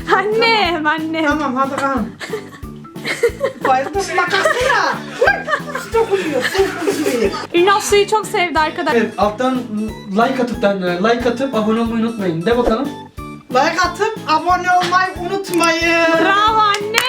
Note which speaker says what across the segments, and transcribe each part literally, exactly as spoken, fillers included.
Speaker 1: Annem, annem.
Speaker 2: Tamam hadi bakalım. Bayıldım makasına. Su dokunuyor, su dokunuyor.
Speaker 1: Ünal suyu çok sevdi arkadaşlar.
Speaker 3: Evet, alttan like atıp da like atıp abone olmayı unutmayın. De bakalım.
Speaker 2: Like atıp abone olmayı unutmayın.
Speaker 1: Bravo anne.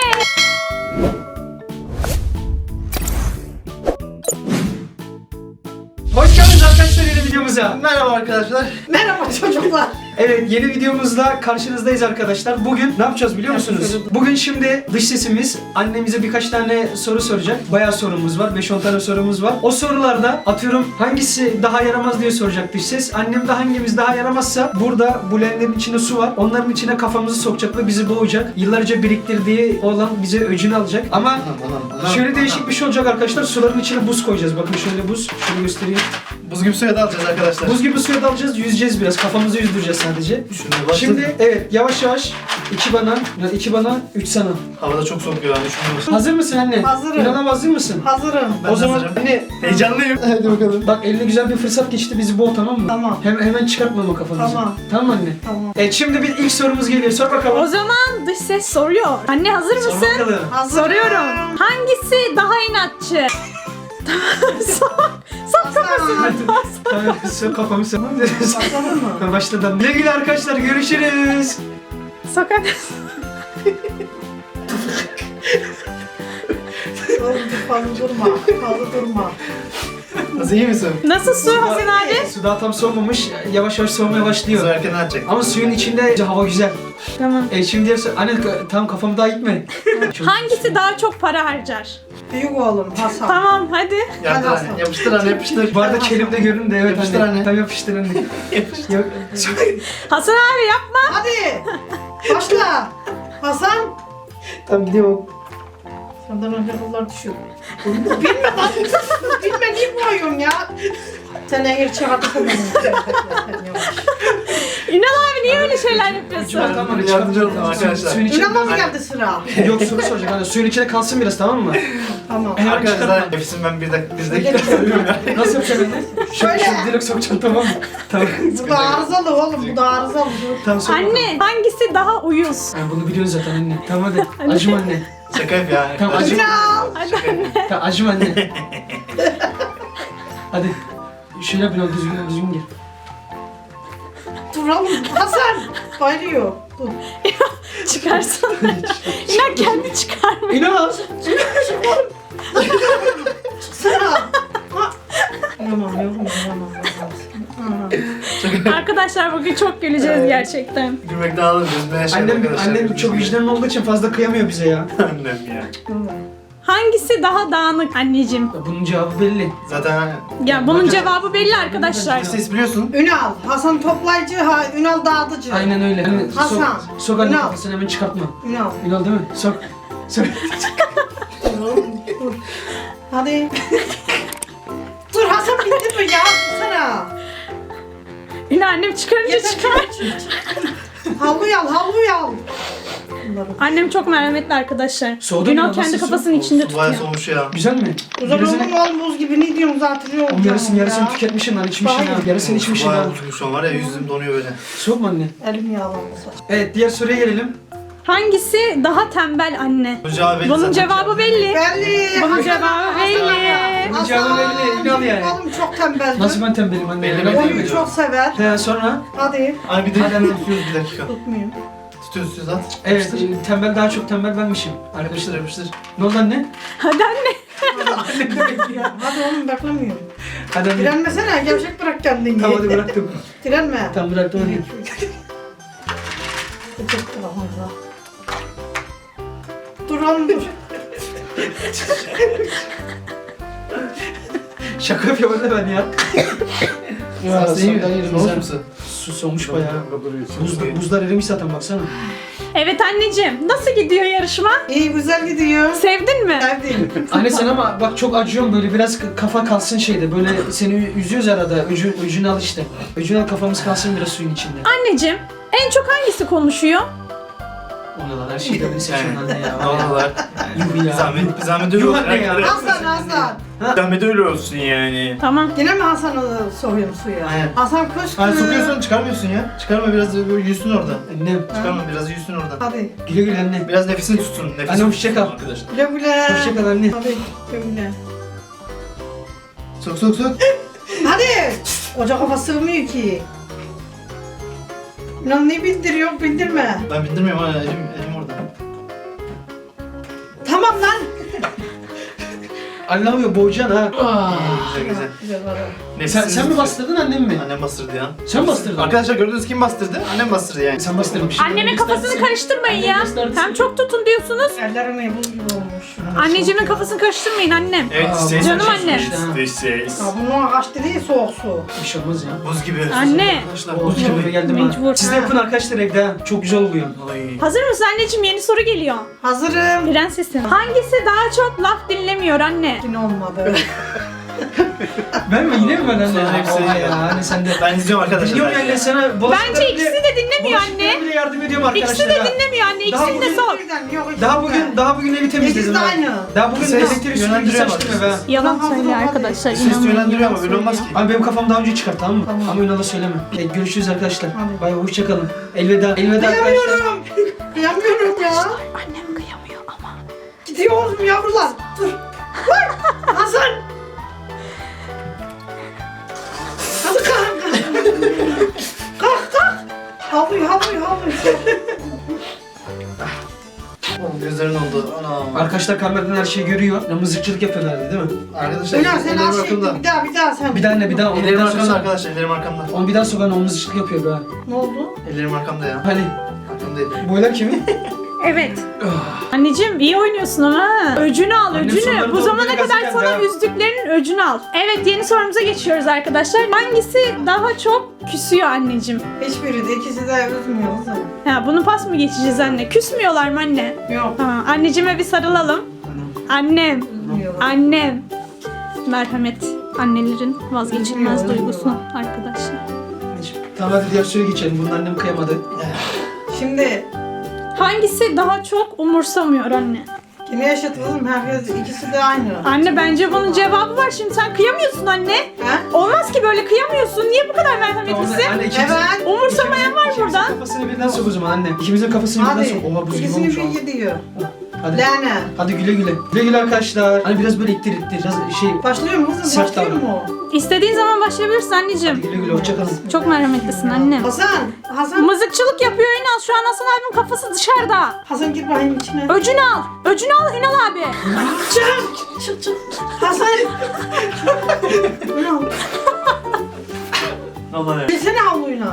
Speaker 3: Hoş geldiniz arkadaşlar yeni videomuza.
Speaker 4: Merhaba arkadaşlar.
Speaker 2: Merhaba çocuklar.
Speaker 3: Evet, yeni videomuzla karşınızdayız arkadaşlar. Bugün ne yapacağız biliyor musunuz? Bugün şimdi dış sesimiz annemize birkaç tane soru soracak. Bayağı sorumuz var. beş on tane sorumuz var. O sorularda atıyorum hangisi daha yaramaz diye soracak dış ses. Annem de hangimiz daha yaramazsa burada bu leğenlerin içinde su var. Onların içine kafamızı sokacak ve bizi boğacak. Yıllarca biriktirdiği olan bize öcünü alacak. Ama
Speaker 4: Anam, anam,
Speaker 3: şöyle değişik bir şey olacak arkadaşlar. Suların içine buz koyacağız. Bakın şöyle buz. Şöyle göstereyim.
Speaker 4: Buz gibi suya dalacağız arkadaşlar.
Speaker 3: Buz gibi suya dalacağız. Yüzeceğiz biraz. Kafamızı yüzdüreceğiz sadece.
Speaker 4: Şimdi başladı.
Speaker 3: Şimdi evet yavaş yavaş iki bana, iki bana, üç sana.
Speaker 4: Havada çok soğuk ya. Düşünüyorum.
Speaker 3: Hazır mısın anne?
Speaker 2: Hazırım.
Speaker 3: İnanam hazır mısın?
Speaker 2: Hazırım.
Speaker 4: Ben
Speaker 3: o zaman
Speaker 4: hazırım.
Speaker 3: anne
Speaker 4: Heyecanlıyım. Hadi bakalım.
Speaker 3: bak eline güzel bir fırsat geçti bizi boğ tamam mı?
Speaker 2: Tamam.
Speaker 3: Hem, hemen çıkartmama kafamızı.
Speaker 2: Tamam.
Speaker 3: Tamam mı anne?
Speaker 2: Tamam.
Speaker 3: Evet şimdi bir ilk sorumuz geliyor. Sor
Speaker 1: O
Speaker 3: bakalım.
Speaker 1: zaman dış ses soruyor. Anne hazır
Speaker 3: Sor
Speaker 1: mısın?
Speaker 3: bakalım.
Speaker 2: Hazırım.
Speaker 1: Soruyorum. Hangisi daha inatçı? Sok. Sok kafasını.
Speaker 3: Tamam sor kafamı sor.
Speaker 2: Başladın mı?
Speaker 3: Başladım. Güle güle arkadaşlar görüşürüz.
Speaker 1: Sok hadi.
Speaker 2: Oğlum fazla durma. Fazla durma.
Speaker 4: Nasıl, iyi misin?
Speaker 1: Nasıl su Hasan abi?
Speaker 3: Su daha tam soğumamış. Yavaş yavaş soğumaya
Speaker 4: Su
Speaker 3: başlıyor.
Speaker 4: erken açacak.
Speaker 3: Ama suyun içinde hava güzel.
Speaker 1: Tamam.
Speaker 3: E şimdi diğer sor- anne tamam kafamı daha gitme.
Speaker 1: Hangisi daha çok para harcar?
Speaker 2: Büyük oğlum Hasan.
Speaker 1: Tamam hadi.
Speaker 4: Yardır
Speaker 2: Hadi
Speaker 4: anne. Yapıştır anne, yapıştır.
Speaker 3: Bu arada kelimde görün de evet
Speaker 4: Yapıştır
Speaker 3: anne.
Speaker 4: anne.
Speaker 3: Tamam yapıştır anne. Yok.
Speaker 1: Hasan abi yapma.
Speaker 2: Hadi. Başla. Hasan.
Speaker 3: Tamam gidiyorum.
Speaker 2: Senden önce kızlar düşüyor. Bilme lan. Bilme niye boğuyorsun ya? Sen eğer çıkartırsın beni.
Speaker 1: Ünal abi niye öyle şeyler yapıyorsun?
Speaker 3: Tamam, tamam,
Speaker 4: Yardımcı olun arkadaşlar.
Speaker 3: Suyun içine...
Speaker 2: Ünal'a mı geldi sıra?
Speaker 3: Yok soru soracak hani suyun içine kalsın biraz tamam mı?
Speaker 2: Tamam.
Speaker 3: Hemen
Speaker 4: Arkadaşlar
Speaker 3: çıkartma.
Speaker 4: nefesim ben bir dakika, bir dakika söylüyorum ya.
Speaker 3: Nasıl yapacaksın anne?
Speaker 2: Şöyle.
Speaker 3: Şöyle direkt sokacaksın tamam mı? Tamam.
Speaker 2: Bu da arızalı oğlum. Bu da arızalı.
Speaker 3: Tamam sok bakalım.
Speaker 1: Anne hangisi daha uyuz?
Speaker 3: Yani bunu biliyorsun zaten anne. Tamam hadi. Acım anne.
Speaker 4: Şaka yap ya.
Speaker 3: Tamam, acı-
Speaker 2: Ünal.
Speaker 1: Hadi
Speaker 4: Şaka
Speaker 1: anne.
Speaker 4: yap.
Speaker 3: Tamam acım anne. Hadi. Şöyle yap biraz düzgün düzgün gir.
Speaker 2: Dur oğlum. Hasan. Bayılıyor. Dur.
Speaker 1: Çıkarsana. Ünal kendi çıkarmıyor.
Speaker 3: İnan.
Speaker 2: Sıra. Ha. Tamam yavrum. Tamam.
Speaker 1: Arkadaşlar bugün çok güleceğiz gerçekten.
Speaker 4: Gülmekten ağladım. Gözümden yaşadım
Speaker 3: Annem,
Speaker 4: arkadaşlar.
Speaker 3: annem çok vicdanlı olduğu için fazla kıyamıyor bize ya.
Speaker 4: Annem ya.
Speaker 1: Hangisi daha dağınık anneciğim?
Speaker 3: Bunun cevabı belli.
Speaker 4: Zaten...
Speaker 1: Ya bunun cevabı belli arkadaşlar.
Speaker 4: Ses biliyorsun.
Speaker 2: Ünal. Hasan toplayıcı. Ha, Ünal dağıtıcı.
Speaker 3: Aynen öyle. Anne,
Speaker 2: Hasan.
Speaker 3: Sok, sok anne
Speaker 2: Ünal.
Speaker 3: kafasını hemen çıkartma.
Speaker 2: Ünal.
Speaker 3: Ünal değil mi? Sok. Sok.
Speaker 2: Dur. Hadi. Dur Hasan bitti mi ya? Sana.
Speaker 1: Ünal annem çıkarınca
Speaker 2: Yeter.
Speaker 1: çıkar.
Speaker 2: Havluyu al, havluyu al. Bunları.
Speaker 1: Annem çok merhametli arkadaşlar.
Speaker 3: Soğudu mu
Speaker 1: Ünal
Speaker 3: ya?
Speaker 1: kendi
Speaker 3: Nasıl
Speaker 1: kafasının içinde
Speaker 4: Su bayağı
Speaker 1: tutuyor.
Speaker 4: soğumuş ya.
Speaker 3: Güzel mi?
Speaker 2: Uzak
Speaker 3: Yarısını,
Speaker 2: oğlum oğlum buz gibi ne diyorsun zaten yok.
Speaker 3: oğlum yarısını yarısını tüketmişsin lan içmişsin
Speaker 2: Hayır.
Speaker 3: ha. Yarısını içmişsin ha.
Speaker 4: Bayağı tutmuş şu an var ya, yüzüm donuyor böyle.
Speaker 3: Soğuk mu anne?
Speaker 2: Elim yağlandı.
Speaker 3: Evet diğer soruya gelelim.
Speaker 1: Hangisi daha tembel anne?
Speaker 4: Bunun cevabı belli
Speaker 1: Bunun
Speaker 4: zaten.
Speaker 1: cevabı belli.
Speaker 2: Belli.
Speaker 1: Bunun
Speaker 2: Hasan,
Speaker 1: cevabı
Speaker 2: Hasan.
Speaker 1: belli.
Speaker 3: Bunun cevabı belli, Ünal yani.
Speaker 2: Oğlum çok tembeldi.
Speaker 3: Nasıl ben tembelim anne?
Speaker 4: Belli,
Speaker 3: Ben
Speaker 4: belli.
Speaker 3: tembelim.
Speaker 2: Oyunu çok sever.
Speaker 3: He sonra?
Speaker 2: Hadi.
Speaker 4: Ay bir de tutuyoruz bir dakika.
Speaker 2: Tutmuyor.
Speaker 4: Tutuyoruz tutuyoruz at.
Speaker 3: Evet
Speaker 4: Yapıştır.
Speaker 3: e, tembel daha çok tembel benmişim.
Speaker 4: Yapıştır
Speaker 3: Arkadaşlar.
Speaker 4: yapıştır.
Speaker 3: Ne oldu anne?
Speaker 1: Hadi anne.
Speaker 2: Hadi oğlum beklemiyorum.
Speaker 3: Hadi anne.
Speaker 2: Direnmesene gevşek bırak kendini.
Speaker 3: Tamam hadi bıraktım.
Speaker 2: Direnme.
Speaker 3: Tamam bıraktım anne.
Speaker 2: Dur oğlum dur.
Speaker 3: Şaka yapıyorum anne ben ya. Ya
Speaker 4: Sen
Speaker 3: sen
Speaker 4: iyi
Speaker 3: sen
Speaker 4: mi?
Speaker 3: yerim
Speaker 4: Soğumuş
Speaker 3: sen.
Speaker 4: musun?
Speaker 3: Su soğumuş bayağı. Buz, buzlar erimiş zaten baksana.
Speaker 1: Evet anneciğim. Nasıl gidiyor yarışma?
Speaker 2: İyi güzel gidiyor.
Speaker 1: Sevdin mi?
Speaker 2: Sevdim.
Speaker 3: Anne sen ama bak çok acıyorsun böyle biraz kafa kalsın şeyde böyle seni üzüyoruz arada öcü, öcünü al işte. Öcünü al kafamız kalsın biraz suyun içinde.
Speaker 1: Anneciğim en çok hangisi konuşuyor?
Speaker 3: Ona her şeyi de beni seçiyorsun
Speaker 4: Yani.
Speaker 3: anne ya.
Speaker 4: Ne oldular?
Speaker 3: Yuh ya.
Speaker 4: Zahmet, zahmet öyle
Speaker 3: Yuh
Speaker 4: olsun.
Speaker 3: anne ya.
Speaker 2: Hasan Hasan.
Speaker 4: Zahmet öyle olsun yani.
Speaker 1: Tamam.
Speaker 2: Yine mi Hasan'ı soruyorum suya?
Speaker 4: Aynen.
Speaker 2: Hasan kuş.
Speaker 4: Hani sokuyorsun çıkarmıyorsun ya. Çıkarma biraz böyle yüzsün orada.
Speaker 3: Annem.
Speaker 4: Çıkarma biraz yüzsün orada.
Speaker 2: Hadi.
Speaker 3: Güle güle anne.
Speaker 4: Biraz nefesini tutsun. Nefesini
Speaker 3: Anne, hoşça kal.
Speaker 4: tutsun arkadaşlar.
Speaker 2: Güle güle.
Speaker 3: Hoşça kal anne.
Speaker 2: Hadi güle güle.
Speaker 4: Sok sok sok.
Speaker 2: Hadi. Ocak hava sığmıyor ki. Lan ne bindiriyor bindirme.
Speaker 4: Ben bindirmiyorum hala elim, elim orada.
Speaker 2: Tamam lan.
Speaker 3: Anlamıyor boğacaksın ha.
Speaker 4: Güzel güzel.
Speaker 2: Güzel var.
Speaker 3: Sen,
Speaker 4: Nefesini
Speaker 3: sen mi
Speaker 4: tutuyor.
Speaker 3: bastırdın annem mi?
Speaker 4: Annem bastırdı ya.
Speaker 3: Sen bastırdın.
Speaker 4: Arkadaşlar gördünüz kim bastırdı? Annem bastırdı yani.
Speaker 3: Sen bastırmışsın.
Speaker 1: Annemin kafasını karıştırmayın ya. Hem çok tutun diyorsunuz.
Speaker 2: Ellerim buz gibi olmuş.
Speaker 1: Anneciğimin kafasını karıştırmayın annem.
Speaker 4: Evet
Speaker 3: Aa,
Speaker 4: ses.
Speaker 1: canım annem.
Speaker 4: Dış ses.
Speaker 2: Ya bunun ağaç değil soğuk su.
Speaker 3: Bir şey olmaz ya.
Speaker 4: Buz gibi.
Speaker 1: Anne.
Speaker 4: Arkadaşlar
Speaker 3: Buz gibi geldim ha.
Speaker 1: Mecbur.
Speaker 3: Siz de yapın arkadaşlar evde ha. Çok güzel oluyor.
Speaker 4: Ay.
Speaker 1: Hazır mısın anneciğim? Yeni soru geliyor.
Speaker 2: Hazırım.
Speaker 1: Prensesim. Hangisi daha çok laf dinlemiyor anne?
Speaker 2: Yine olmadı.
Speaker 3: Ben mi? Yine mi ben anne?
Speaker 4: Sonra hepsi-
Speaker 3: Oha ya anne sen de.
Speaker 4: Ben izliyorum arkadaşlar.
Speaker 3: Biliyorum
Speaker 4: ben
Speaker 3: anne
Speaker 4: de.
Speaker 3: sana bulaşıkları
Speaker 1: Bence ikisi
Speaker 3: bile-
Speaker 1: de dinlemiyor
Speaker 3: bulaşıkları
Speaker 1: anne.
Speaker 3: bile yardım ediyorum arkadaşlar.
Speaker 1: İkisi de
Speaker 3: ha.
Speaker 1: dinlemiyor anne.
Speaker 3: Daha
Speaker 1: İkisini de
Speaker 3: bugün-
Speaker 1: sor.
Speaker 2: Yok, ikisi
Speaker 3: Daha
Speaker 2: de.
Speaker 3: bugün daha bugün evi temizledim.
Speaker 2: İkisi de
Speaker 3: ha.
Speaker 2: aynı.
Speaker 3: Daha bugün
Speaker 4: Ses
Speaker 3: elektrik süpürgesi
Speaker 4: yönlendiriyor
Speaker 3: açtım
Speaker 4: ama
Speaker 3: eve. ha.
Speaker 1: Yalan
Speaker 2: Tamam,
Speaker 1: söylüyor
Speaker 2: hadi.
Speaker 1: arkadaşlar.
Speaker 4: Ses
Speaker 1: inanmayın,
Speaker 4: yönlendiriyor
Speaker 1: yalan
Speaker 4: ama böyle olmaz ki.
Speaker 1: söylüyor.
Speaker 3: Abi benim kafam daha önce çıkar tamam mı?
Speaker 2: Tamam.
Speaker 3: Ama Ünal'a söyleme. E, görüşürüz arkadaşlar.
Speaker 2: Hadi.
Speaker 3: Bay bay hoşçakalın. Elveda. Elveda arkadaşlar.
Speaker 2: Kıyamıyorum. Kıyamıyorum ya.
Speaker 1: Annem kıyamıyor ama.
Speaker 2: Gidiyoruz yavrular. Dur. Vay. Hasan. Hadi kalk. Kalk kalk. Havluy havluy havluy.
Speaker 4: Oğlum gözlerin oldu. Ana.
Speaker 3: Arkadaşlar kameradan her şeyi görüyor. Ya, mızıkçılık yapıyorlardı değil mi?
Speaker 4: Arkadaşlar
Speaker 2: Ünal sen
Speaker 4: ellerim
Speaker 2: az şey
Speaker 4: arkamda.
Speaker 2: bir daha bir daha sen.
Speaker 3: Bir daha ne bir daha onu bir
Speaker 4: Ellerim
Speaker 3: daha
Speaker 4: arkamda
Speaker 3: soksana.
Speaker 4: arkadaşlar. Ellerim arkamda.
Speaker 3: Onu bir daha sokan o mızıkçılık yapıyor be.
Speaker 2: Ne oldu?
Speaker 4: Ellerim arkamda ya.
Speaker 3: Hani
Speaker 4: Arkamdaydı.
Speaker 3: boylar kimin?
Speaker 1: Evet. Anneciğim iyi oynuyorsun ama. ha. Öcünü al
Speaker 3: Annem
Speaker 1: öcünü.
Speaker 3: soruları
Speaker 1: Bu
Speaker 3: doğru
Speaker 1: zamana
Speaker 3: biraz
Speaker 1: kadar
Speaker 3: geldi
Speaker 1: sana
Speaker 3: ha.
Speaker 1: üzdüklerinin öcünü al. Evet yeni sorumuza geçiyoruz arkadaşlar. Hangisi daha çok küsüyor anneciğim?
Speaker 2: Hiçbiri de ikisi de üzmüyor kızım.
Speaker 1: Ha bunu pas mı geçeceğiz anne? Küsmüyorlar mı anne?
Speaker 2: Yok.
Speaker 1: Ha, anneciğime bir sarılalım. Annem.
Speaker 2: Üzmüyorlar.
Speaker 1: Annem. Merhamet. Annelerin vazgeçilmez
Speaker 2: Üzülüyor,
Speaker 1: duygusu arkadaşlar.
Speaker 3: Tamam hadi diğer soruya geçelim. Bunun annem kıyamadı.
Speaker 2: Şimdi
Speaker 1: Hangisi daha çok umursamıyor anne?
Speaker 2: yine yaşat kızım herkes ikisi de aynı.
Speaker 1: Anne bence bunun cevabı var. Şimdi sen kıyamıyorsun anne.
Speaker 2: He?
Speaker 1: Olmaz ki böyle kıyamıyorsun. Niye bu kadar merhametlisin?
Speaker 3: Anne ikimizin,
Speaker 2: Evet.
Speaker 1: Umursamayan var
Speaker 3: ikimizin
Speaker 1: burada.
Speaker 3: kafasını birden sok o zaman anne. İkimizin kafasını birden
Speaker 2: Hadi.
Speaker 3: sok. Oha buz gibi
Speaker 2: İkisini
Speaker 3: olmuş
Speaker 2: bir
Speaker 3: ama.
Speaker 2: gidiyor.
Speaker 3: Hadi.
Speaker 2: Lene.
Speaker 3: Hadi güle güle. Güle güle arkadaşlar. Hani biraz böyle ittir ittir. Biraz şey.
Speaker 2: Başlıyor mu kızım?
Speaker 3: Sert
Speaker 2: Başlıyor
Speaker 3: davran.
Speaker 2: mu?
Speaker 1: İstediğin zaman başlayabilirsin
Speaker 3: Hadi
Speaker 1: anneciğim.
Speaker 3: güle güle hoşçakalın.
Speaker 1: Çok merhametlisin annem.
Speaker 2: Hasan. Hasan.
Speaker 1: Mızıkçılık yapıyor Ünal. Şu an Hasan abim kafası dışarıda.
Speaker 2: Hasan gir bakayım içine.
Speaker 1: Öcünü al. Öcünü al Ünal abi.
Speaker 2: Çık. Çık çık. Hasan. Ünal.
Speaker 4: Allah ya.
Speaker 2: Bilsene havluyla.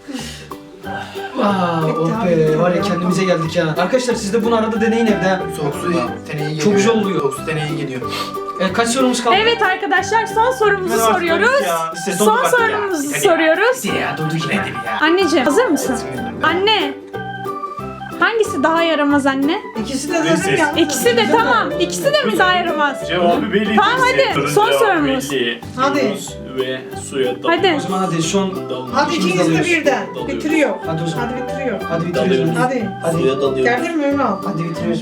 Speaker 3: Aa,
Speaker 2: Bitti
Speaker 3: oh
Speaker 2: abi,
Speaker 3: be
Speaker 2: bitti
Speaker 3: var ya
Speaker 2: ya.
Speaker 3: kendimize geldik ya. Arkadaşlar siz de bunu arada deneyin evde. ha.
Speaker 4: Soğuk su teneye geliyor.
Speaker 3: Çok güzel oluyor.
Speaker 4: Soğuk su teneye geliyor.
Speaker 3: E, kaç sorumuz kaldı?
Speaker 1: Evet arkadaşlar son sorumuzu
Speaker 4: Hemen
Speaker 1: soruyoruz.
Speaker 4: artık ya. Ses
Speaker 1: Son
Speaker 4: oldu bak ya.
Speaker 1: sorumuzu
Speaker 4: Hadi
Speaker 1: soruyoruz.
Speaker 3: Hadi ya durdu yine dedi ya.
Speaker 1: Anneciğim hazır mısın? Anne. Hangisi daha yaramaz anne?
Speaker 2: İkisi de
Speaker 4: Neyse.
Speaker 2: dedim ya.
Speaker 1: İkisi de tamam. İkisi de mi daha yaramaz?
Speaker 5: Cevabı belli.
Speaker 1: Tamam, hadi.
Speaker 5: Sorunun
Speaker 1: Son
Speaker 5: cevabı
Speaker 1: sorumuz.
Speaker 5: belli.
Speaker 2: Hadi.
Speaker 5: Diyoruz Ve suya dalıyoruz.
Speaker 1: Hadi.
Speaker 3: O zaman hadi son.
Speaker 5: Dalıyoruz.
Speaker 2: Hadi
Speaker 3: İkimiz
Speaker 2: ikiniz de
Speaker 3: dalıyoruz.
Speaker 2: birden.
Speaker 5: Dalıyoruz.
Speaker 2: Bitiriyor.
Speaker 3: Hadi o zaman.
Speaker 2: Hadi bitiriyor.
Speaker 3: Hadi bitiriyoruz.
Speaker 5: Dalıyoruz.
Speaker 2: Hadi.
Speaker 3: Hadi.
Speaker 5: Suya dalıyoruz.
Speaker 2: Gerdirme Ünal.
Speaker 3: Hadi bitiriyoruz.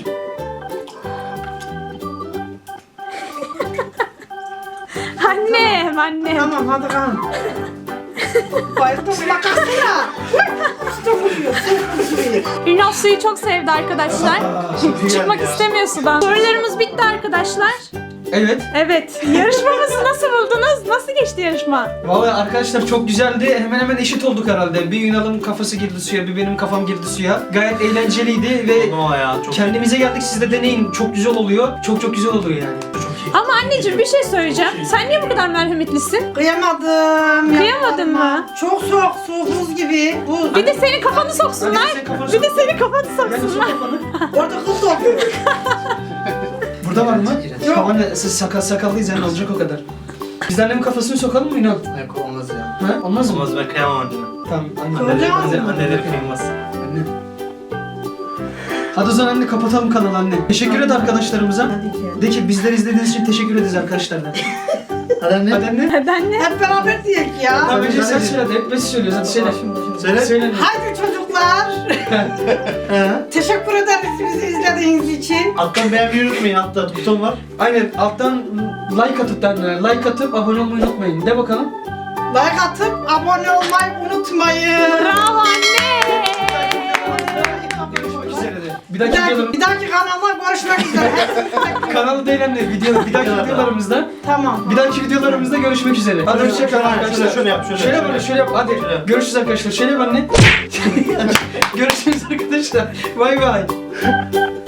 Speaker 1: Annem annem.
Speaker 2: Tamam hadi kan. Bayıldım bakarsana. Usta vuruyor. Usta vuruyor.
Speaker 1: Ünal suyu çok sevdi arkadaşlar.
Speaker 3: Aa,
Speaker 1: Çıkmak istemiyor sudan. Sorularımız bitti arkadaşlar.
Speaker 3: Evet.
Speaker 1: Evet. Yarışmamızı nasıl buldunuz? Nasıl geçti yarışma?
Speaker 3: Vallahi arkadaşlar çok güzeldi. Hemen hemen eşit olduk herhalde. Bir Ünal'ın kafası girdi suya, bir benim kafam girdi suya. Gayet eğlenceliydi ve
Speaker 4: Oldu ya. Çok
Speaker 3: kendimize geldik. Siz de deneyin. Çok güzel oluyor. Çok çok güzel oluyor yani.
Speaker 4: çok iyi.
Speaker 1: Ama anneciğim bir şey söyleyeceğim. Sen niye bu kadar merhametlisin?
Speaker 2: Kıyamadım.
Speaker 1: Kıyamadın
Speaker 2: yapma.
Speaker 1: mı?
Speaker 2: Çok soğuk su buz gibi. Buz.
Speaker 1: Bir de senin kafanı soksunlar.
Speaker 3: Hadi senin kafanı
Speaker 1: Bir de
Speaker 3: sok.
Speaker 1: senin kafanı
Speaker 3: Yani sok
Speaker 1: soksunlar.
Speaker 3: kafanı.
Speaker 2: Orada kız dokuyor.
Speaker 3: Burada var mı?
Speaker 2: Yok.
Speaker 3: Tamam anne siz sakal sakallıyız yani olacak o kadar. Biz de annemin kafasını sokalım mı Ünal?
Speaker 4: Yok olmaz ya.
Speaker 3: Ha? Olmaz mı?
Speaker 4: Olmaz ben kıyamam anneme.
Speaker 3: Tamam anne.
Speaker 2: Kıvırcık
Speaker 3: Anne-
Speaker 2: mı?
Speaker 4: Anneleri kıyılmaz.
Speaker 3: Anne. Hadi o zaman anne kapatalım kanalı anne. Teşekkür et arkadaşlarımıza.
Speaker 2: Hadi canım.
Speaker 3: De ki bizleri izlediğiniz için teşekkür ederiz arkadaşlar. de.
Speaker 6: Hadi anne.
Speaker 3: Hadi anne.
Speaker 1: Hadi anne.
Speaker 2: Hep beraber diyek ya.
Speaker 3: Tamam önce sen
Speaker 6: hadi.
Speaker 3: söyle hadi. Hep biz söylüyoruz. Hadi söyle.
Speaker 6: Söyle.
Speaker 3: Söyle.
Speaker 2: Haydi çocuklar.
Speaker 6: He.
Speaker 2: Teşekkür ederiz bizi izlediğiniz için.
Speaker 6: Alttan beğenmeyi unutmayın. Altta buton var.
Speaker 3: Aynen alttan like atıp da like atıp abone olmayı unutmayın. De bakalım.
Speaker 2: Like atıp abone olmayı unutmayın.
Speaker 1: Bravo anne.
Speaker 3: Görüşmek üzere de. Bir
Speaker 2: Bir
Speaker 3: dahaki
Speaker 2: dahaki,
Speaker 3: videolarım
Speaker 2: bir dahaki kanalda görüşmek üzere.
Speaker 3: kanalı değil anne. Video, bir dahaki videolarımızda
Speaker 2: Tamam.
Speaker 3: bir dahaki videolarımızda görüşmek üzere. Hadi
Speaker 6: Şöyle,
Speaker 3: hoşçakalın
Speaker 6: şöyle,
Speaker 3: arkadaşlar.
Speaker 6: şöyle, şöyle yap, şöyle,
Speaker 3: Şöyle
Speaker 6: şöyle.
Speaker 3: böyle şöyle yap. Hadi.
Speaker 6: Şöyle.
Speaker 3: Görüşürüz arkadaşlar. Şöyle yap anne. Görüşürüz arkadaşlar. Bay bay.